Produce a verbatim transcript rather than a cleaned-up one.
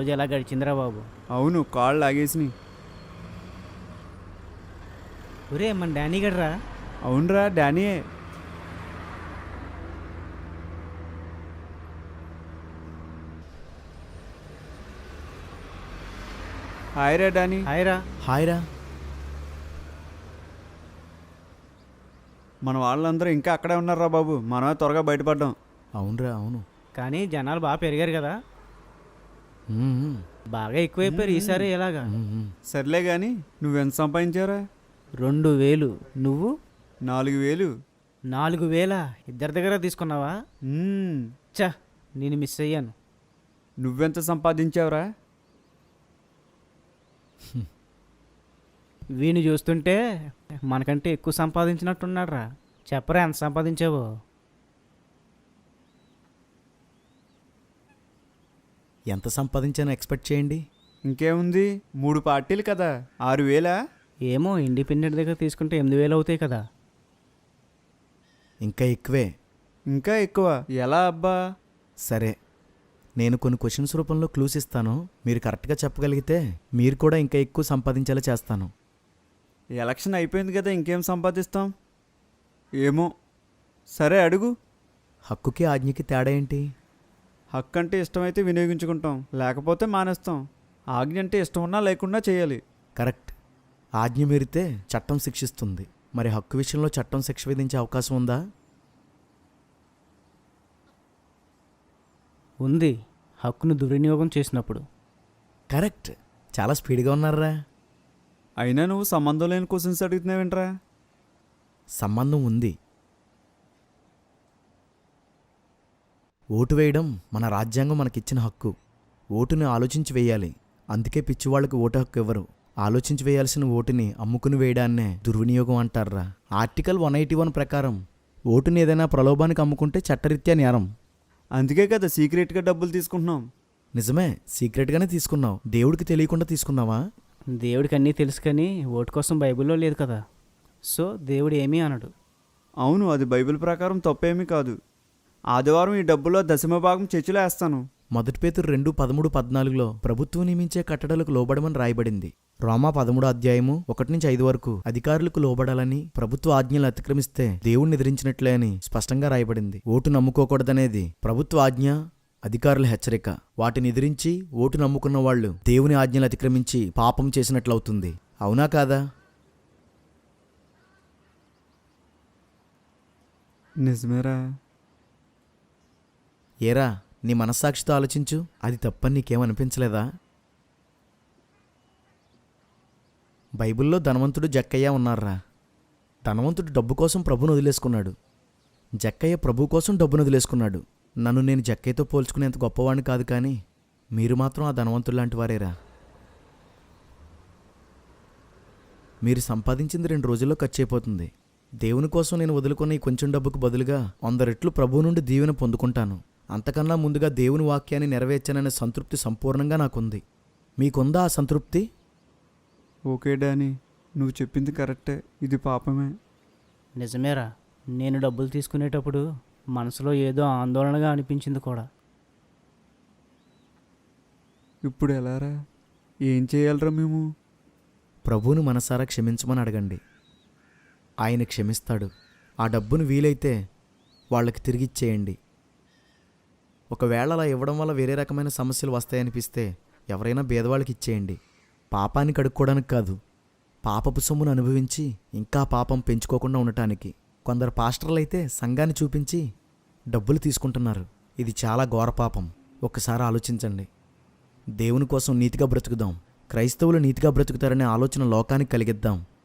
రోజు ఎలా గడిచిందిరా బాబు. అవును, కాళ్ళు లాగేసినాయి. ఒరే మన డానీ గడ్రా. అవునరా, డానీయే. హాయ్ రా డానీ. హాయ్ రా. హాయ్ రా. మన వాళ్ళందరూ ఇంకా అక్కడే ఉన్నారా బాబు, మనమే త్వరగా బయటపడ్డాం. అవునరా, అవును. కానీ జనాలు బాగా పెరిగారు కదా, మ్మ్. బాగా ఎక్కువైపోయారు ఈసారి ఎలాగా. మ్మ్. సర్లే కానీ నువ్వెంత సంపాదించారా? రెండు వేలు. నువ్వు? నాలుగు వేలు. నాలుగు వేల ఇద్దరి దగ్గర తీసుకున్నావా? మ్మ్. చా, నేను మిస్ అయ్యాను. నువ్వెంత సంపాదించావురా? వీని చూస్తుంటే మనకంటే ఎక్కువ సంపాదించినట్టున్నాడు రా. చెప్పరా ఎంత సంపాదించావో. ఎంత సంపాదించానో ఎక్స్పెక్ట్ చేయండి. ఇంకేముంది, మూడు పార్టీలు కదా, ఆరు వేలా? ఏమో, ఇండిపెండెంట్ దగ్గర తీసుకుంటే ఎనిమిది వేలు అవుతాయి కదా. ఇంకా ఎక్కువే. ఇంకా ఎక్కువ ఎలా అబ్బా? సరే, నేను కొన్ని క్వశ్చన్స్ రూపంలో క్లూస్ ఇస్తాను. మీరు కరెక్ట్గా చెప్పగలిగితే మీరు కూడా ఇంకా ఎక్కువ సంపాదించేలా చేస్తాను. ఎలక్షన్ అయిపోయింది కదా, ఇంకేం సంపాదిస్తాం? ఏమో. సరే అడుగు. హక్కుకి ఆజ్ఞకి తేడా ఏంటి? హక్కు అంటే ఇష్టమైతే వినియోగించుకుంటాం, లేకపోతే మానేస్తాం. ఆజ్ఞ అంటే ఇష్టం ఉన్నా లేకుండా చేయాలి. కరెక్ట్. ఆజ్ఞ మీరితే చట్టం శిక్షిస్తుంది. మరి హక్కు విషయంలో చట్టం శిక్ష విధించే అవకాశం ఉందా? ఉంది, హక్కును దుర్వినియోగం చేసినప్పుడు. కరెక్ట్. చాలా స్పీడ్గా ఉన్నారా. అయినా నువ్వు సంబంధం లేని క్వశ్చన్స్ అడుగుతున్నావేంట్రా? సంబంధం ఉంది. ఓటు వేయడం మన రాజ్యాంగం మనకిచ్చిన హక్కు. ఓటుని ఆలోచించి వేయాలి. అందుకే పిచ్చివాళ్ళకి ఓటు హక్కు ఇవ్వరు. ఆలోచించి వేయాల్సిన ఓటుని అమ్ముకుని వేయడాన్నే దుర్వినియోగం అంటారా. ఆర్టికల్ వన్ ఎయిటీ వన్ ప్రకారం ఓటుని ఏదైనా ప్రలోభానికి అమ్ముకుంటే చట్టరీత్యా నేరం. అందుకే కదా సీక్రెట్గా డబ్బులు తీసుకుంటున్నాం. నిజమే, సీక్రెట్గానే తీసుకున్నావు. దేవుడికి తెలియకుండా తీసుకున్నావా? దేవుడికి అన్నీ తెలుసు, కానీ ఓటు కోసం బైబిల్లో లేదు కదా, సో దేవుడు ఏమీ అనడు. అవును, అది బైబిల్ ప్రకారం తప్పేమీ కాదు. ఆదివారం ఈ డబ్బులో దశమ భాగం చర్చిలో వేస్తాను. మొదటి పేతురు రెండు పదమూడు పద్నాలుగులో ప్రభుత్వం నియమించే కట్టడలకు లోబడమని రాయబడింది. రోమా పదమూడో అధ్యాయము ఒకటి నుంచి ఐదు వరకు అధికారులకు లోబడాలని, ప్రభుత్వ ఆజ్ఞలు అతిక్రమిస్తే దేవుణ్ణి ఎదిరించినట్లే అని స్పష్టంగా రాయబడింది. ఓటు నమ్ముకోకూడదనేది ప్రభుత్వ ఆజ్ఞ, అధికారుల హెచ్చరిక. వాటిని ఎదిరించి ఓటు నమ్ముకున్న వాళ్ళు దేవుని ఆజ్ఞలు అతిక్రమించి పాపం చేసినట్లవుతుంది. అవునా కాదా? నిజమేరా. ఏరా, నీ మనస్సాక్షితో ఆలోచించు. అది తప్పని నీకేమనిపించలేదా? బైబిల్లో ధనవంతుడు జక్కయ్య ఉన్నారా. ధనవంతుడు డబ్బు కోసం ప్రభుని వదిలేసుకున్నాడు. జక్కయ్య ప్రభు కోసం డబ్బును వదిలేసుకున్నాడు. నన్ను నేను జక్కయ్యతో పోల్చుకునేంత గొప్పవాడిని కాదు, కానీ మీరు మాత్రం ఆ ధనవంతుడు లాంటి వారేరా. మీరు సంపాదించింది రెండు రోజుల్లో ఖర్చు అయిపోతుంది. దేవుని కోసం నేను వదులుకున్న ఈ కొంచెం డబ్బుకు బదులుగా వంద రెట్లు ప్రభువు నుండి దీవెన పొందుకుంటాను. అంతకన్నా ముందుగా దేవుని వాక్యాన్ని నెరవేర్చాననే సంతృప్తి సంపూర్ణంగా నాకుంది. మీకుందా ఆ సంతృప్తి? ఓకే డానీ, నువ్వు చెప్పింది కరెక్టే. ఇది పాపమే. నిజమేరా, నేను డబ్బులు తీసుకునేటప్పుడు మనసులో ఏదో ఆందోళనగా అనిపించింది కూడా. ఇప్పుడు ఎలారా? ఏం చేయాలరా మేము? ప్రభువును మనసారా క్షమించమని అడగండి. ఆయన క్షమిస్తాడు. ఆ డబ్బును వీలైతే వాళ్ళకి తిరిగిచ్చేయండి. ఒకవేళ అలా ఇవ్వడం వల్ల వేరే రకమైన సమస్యలు వస్తాయనిపిస్తే ఎవరైనా బేదవాళ్ళకి ఇచ్చేయండి. పాపాన్ని కడుక్కోవడానికి కాదు, పాపపు సొమ్మును అనుభవించి ఇంకా పాపం పెంచుకోకుండా ఉండటానికి. కొందరు పాస్టర్లు అయితే సంఘాన్ని చూపించి డబ్బులు తీసుకుంటున్నారు. ఇది చాలా ఘోర పాపం. ఒక్కసారి ఆలోచించండి. దేవుని కోసం నీతిగా బ్రతుకుదాం. క్రైస్తవులు నీతిగా బ్రతుకుతారనే ఆలోచన లోకానికి కలిగిద్దాం.